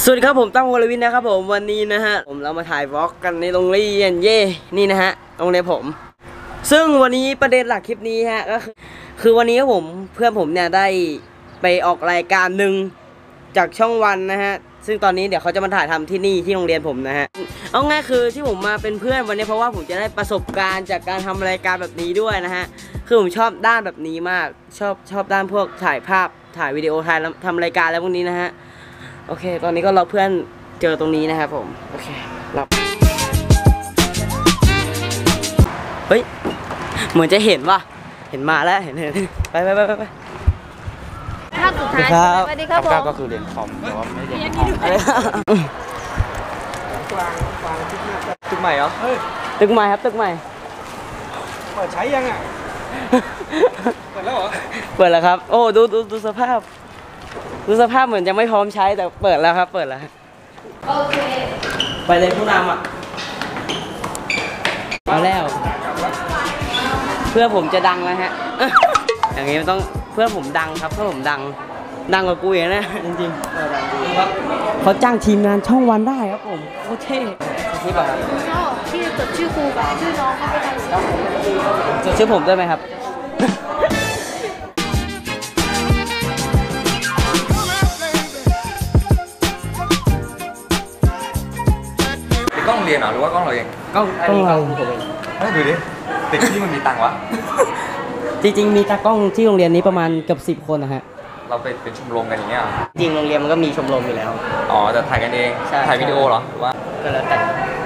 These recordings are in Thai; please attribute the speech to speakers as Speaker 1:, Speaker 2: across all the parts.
Speaker 1: สวัสดีครับผมตั้งวรวินนะครับผมวันนี้นะฮะเรามาถ่ายวอล์กกันในโรงเรียนนี่นะฮะโรงเรียนผมซึ่งวันนี้ประเด็นหลักคลิปนี้ฮะก็คือวันนี้ครับผมเพื่อนผมเนี่ยได้ไปออกรายการหนึ่งจากช่องวันนะฮะซึ่งตอนนี้เดี๋ยวเขาจะมาถ่ายทำที่นี่ที่โรงเรียนผมนะฮะเอาง่ายคือที่ผมมาเป็นเพื่อนวันนี้เพราะว่าผมจะได้ประสบการณ์จากการทำรายการแบบนี้ด้วยนะฮะคือผมชอบด้านแบบนี้มากชอบด้านพวกถ่ายภาพถ่ายวิดีโอถ่ายทำรายการแล้วพวกนี้นะฮะโอเคตอนนี้ก็รอเพื่อนเจอตรงนี้นะครับผมโอเครับเฮ้ยเหมือนจะเห็นว่ะเห็นมาแล้วเห็นไป
Speaker 2: ภาพสุดท้ายสวัสดีครับผม
Speaker 3: ก็คือเรียนคอมแต่ว่าไม่เรียนคอมตึกใหม่เหรอ
Speaker 1: ตึกใหม่ครับตึกใหม่
Speaker 3: เปิดใช้ยังอ่ะเปิดแล้วเหรอ
Speaker 1: เปิดแล้วครับโอ้ดูสภาพเหมือนจะไม่พร้อมใช้แต่เปิดแล้วครับเปิดแล้วโอเคไปเลยผู้นำอ่ะมาแล้วเพื่อผมจะดังแล้วฮะอย่างนี้มันต้องเพื่อผมดังครับเพื่อผมดังกว่ากูเองนะจริงๆครับเขาจ้างทีมงานช่องวันได้ครับผมโคตรเท่นี่ป่ะครับ
Speaker 2: ที่จดชื่อครูกับชื่อน้องเขาไปทำ
Speaker 1: จดชื่อผมด้วยไหมครับ
Speaker 3: กล้องเรียนเหรอหรือว่ากล้องเราเอง
Speaker 1: กล้องเราผมเอง
Speaker 3: ดูดิเด็กที่มันมีตังค์วะ
Speaker 1: จริงๆมีตากล้องที่โรงเรียนนี้ประมาณเกือบ10 คนนะฮะ
Speaker 3: เราเป็นชมรมกันอย่างเงี้ย
Speaker 1: จริงโรงเรียนมันก็มีชมรมอยู่แล้ว
Speaker 3: อ๋อแต่ถ่ายกันเองถ่ายวิดีโอเหรอหรือว่า
Speaker 1: ก็แล้วแต่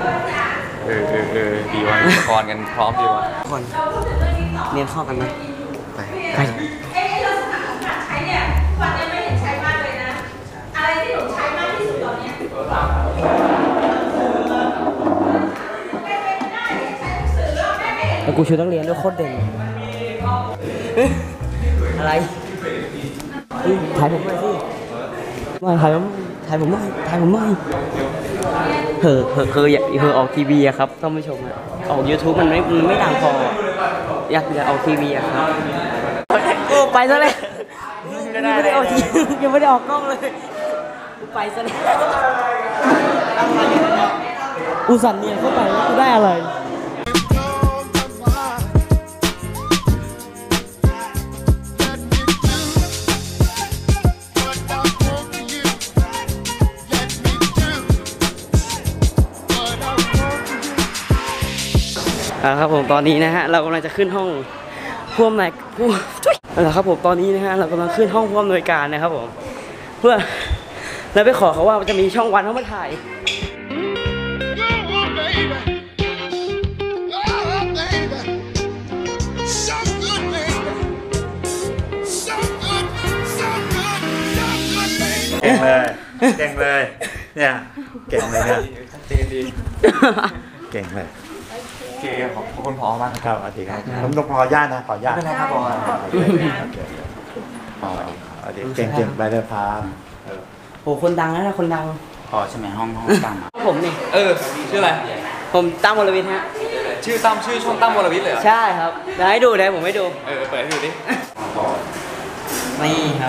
Speaker 3: ดีว่ะอุปกรณ์กันพร้อมดีว่ะ
Speaker 1: คนเรียนเข้ากันไหมไปแล้วกูชุดนักเรียนด้วยโคตรเด่นอะไรถ่ายผมหน่อยสิถ่ายผมหน่อยคือออกทีวีอะครับท่านผู้ชมออก YouTube มันไม่ดังพออยากออกทีวีอะครับโอ้ไปซะเลยยังไม่ได้ออกทียังไม่ได้ออกกล้องเลยไปซะเลยอุสันเนี่ยเข้าไปแล้วกูได้อะไรครับผมตอนนี้นะฮะเรากำลังจะขึ้นห้องผู้อำนวยครับผมตอนนี้นะฮะเรากำลังขึ้นห้องผู้อำนวยการนะครับผมเพื่อแล้วไปขอเขาว่าจะมีช่องวันเขามาถ่าย
Speaker 4: เก่งเลยเนี่ยเก่งเลยเนี่ยเก่งเลย
Speaker 3: โอเคขอบคุณผอมาก
Speaker 4: ครับสวัสดีครับผมต้องขออนุญาตนะขออนุญาต
Speaker 3: ไม่เป็นไรครับผอ
Speaker 4: เก่งไปเลยพา
Speaker 1: โอ้คนดังนะคนดัง
Speaker 4: ใช่ไหมห้องดัง
Speaker 1: ผมนี่
Speaker 3: ชื่ออะไร
Speaker 1: ผมตั้มวรวิทย์ฮะ
Speaker 3: ชื่อช่องตั้มวรวิทย์เลยเหรอ
Speaker 1: ใช่ครับเดี๋ยวให้ดูผมให้ดู
Speaker 3: เปิดให้ดูดิ
Speaker 1: นี่ครับ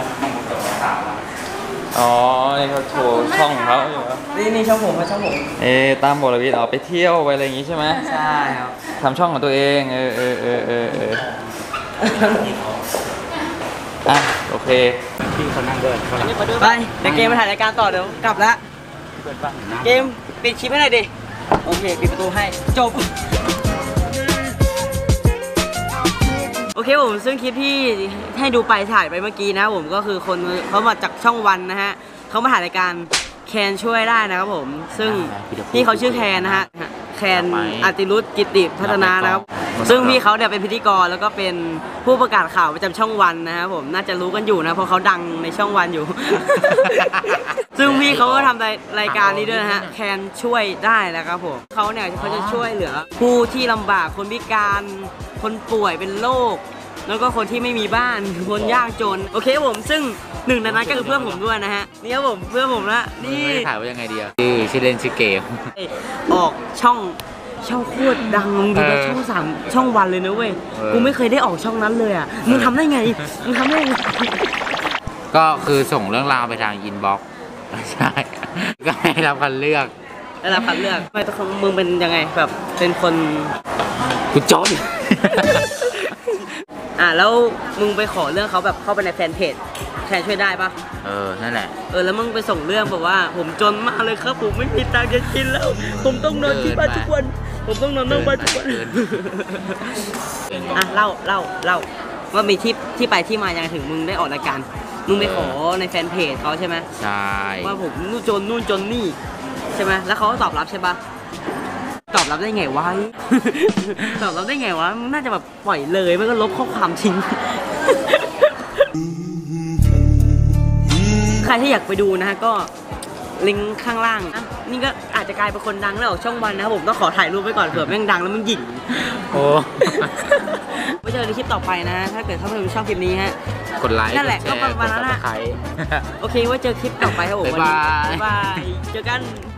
Speaker 3: อ๋อนี่เขาโชว์ช่องของเขาอยู่ครับ
Speaker 1: นี่ช่องผม
Speaker 3: ตั้มวรวิทย์ไปเที่ยวไปอะไรอย่างงี้ใช่ไหม
Speaker 1: ใช่ครับ
Speaker 3: ทำช่องของตัวเองโอเค
Speaker 4: พี่เขานั่งด้วย
Speaker 1: ไปเดี๋ยวเกมมาถ่ายรายการต่อเดี๋ยวกลับแล้วเกมปิดคลิปให้หน่อยดิโอเคปิดประตูให้จบโอเคผมซึ่งคลิปที่ให้ดูไปถ่ายไปเมื่อกี้นะผมก็คือคนเขามาจากช่องวันนะฮะเขามาถ่ายรายการแคนช่วยได้นะครับผมซึ่งพี่เขาชื่อแคนนะฮะแคนอติรุตกิติพัฒนานะครับซึ่งพี่เขาเนี่ยเป็นพิธีกรแล้วก็เป็นผู้ประกาศข่าวประจำช่องวันนะครับผมน่าจะรู้กันอยู่นะเพราะเขาดังในช่องวันอยู่ ซึ่งพี่เขาก็ทำรายการนี้ด้วยนะฮะแคนช่วยได้นะครับผมเขาเนี่ยเขาจะช่วยเหลือผู้ที่ลำบากคนพิการคนป่วยเป็นโรคแล้วก็คนที่ไม่มีบ้านคนยากจนโอเคผมซึ่งหนึ่งในนั้นก็คือเพื่อนผมด้วยนะฮะนี่ครับผมเพื่อนผมนะนี่
Speaker 3: ถ่ายว่ายังไงดีชื่อเล่นชื่อเกม
Speaker 1: ออกช่องโคตรดังดูในช่อง3ช่องวันเลยนะเว้ยกูไม่เคยได้ออกช่องนั้นเลยอ่ะมึงทำได้ไง
Speaker 5: ก็คือส่งเรื่องราวไปทางอินบ็อกซ์ใช่ก็ให้รับคัดเลือก
Speaker 1: ได้รับคัดเลือกไม่ต้องมึงเป็นยังไงแบบเป็นคน
Speaker 5: กูจน
Speaker 1: แล้วมึงไปขอเรื่องเขาแบบเข้าไปในแฟนเพจแคนช่วยได้ปะ
Speaker 5: นั่นแหละ
Speaker 1: แล้วมึงไปส่งเรื่องแบบว่าผมจนมากเลยครับผมไม่มีตังค์จะกินแล้ว ผมต้องนอนที่บ้านทุกวันผมต้องนอนนอกบ้านทุกวันเล่าว่ามีที่ไปที่มายังไงถึงมึงได้ออกรายการมึงไปขอในแฟนเพจเขาใช่ไหม
Speaker 5: ใช่
Speaker 1: ว่าผมนู่นจนนี่ใช่ไหมแล้วเขาก็ตอบรับใช่ปะตอบรับได้ไงวะ ตอบรับได้ไงวะน่าจะแบบปล่อยเลยไม่ก็ลบข้อความทิ้ง ใครที่อยากไปดูนะฮะก็ลิงก์ข้างล่างนี่ก็อาจจะกลายเป็นคนดังแล้วออกช่องวันนะครับผมต้องขอถ่ายรูปไว้ก่อนเผื่อแม่งดังแล้วมึงหยิ่ง
Speaker 5: โอ้
Speaker 1: ไว้เจอในคลิปต่อไปนะถ้าเกิดเขาไม่ชอบคลิปนี้ฮะ
Speaker 5: กดไลค์
Speaker 1: นั่นแหละ
Speaker 5: กดแชร์
Speaker 1: ก็ประมาณนั้น
Speaker 5: กด
Speaker 1: นะ
Speaker 5: Subscribe
Speaker 1: โอเคไว้เจอคลิปต่อไปครับผม
Speaker 5: บ๊ายบาย
Speaker 1: บ๊ายบายเจอกัน